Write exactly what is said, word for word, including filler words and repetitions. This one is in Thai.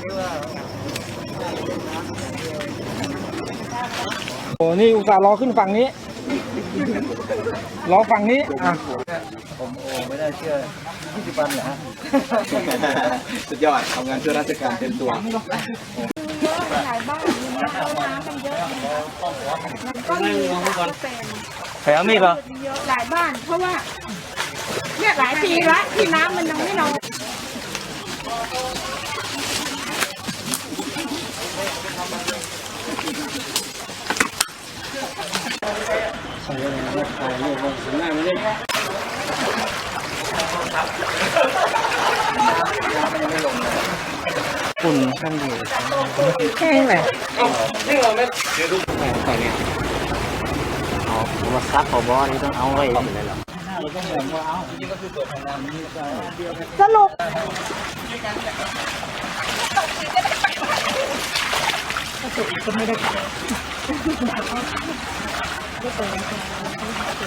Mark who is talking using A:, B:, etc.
A: โอ้นี่อุตส่าห์รอขึ้นฝั่งนี้รอฝั่งนี้อ่ะ
B: ผมโอ้ไม่ได้เชื่อยี่สิบวันเหรอฮะ
C: สุดยอดทำงานช่วยราชการเต็มตัว
D: เยอะหลายบ้านมีน้ำน้ำกันเยอะมันก็มีเป็น
B: แถวมีดเหรอ
D: เยอะหลายบ้านเพราะว่าเนี่ยหลายปีละที่น้ำมันยังไม่ลง
A: ฝุ่นข้างอยู่แห้งเลยนี่เราไม่ใส่เนี่ย
B: เอามาซักขอบอนี่ต้องเอาไว้เลยหรอ
D: สรุป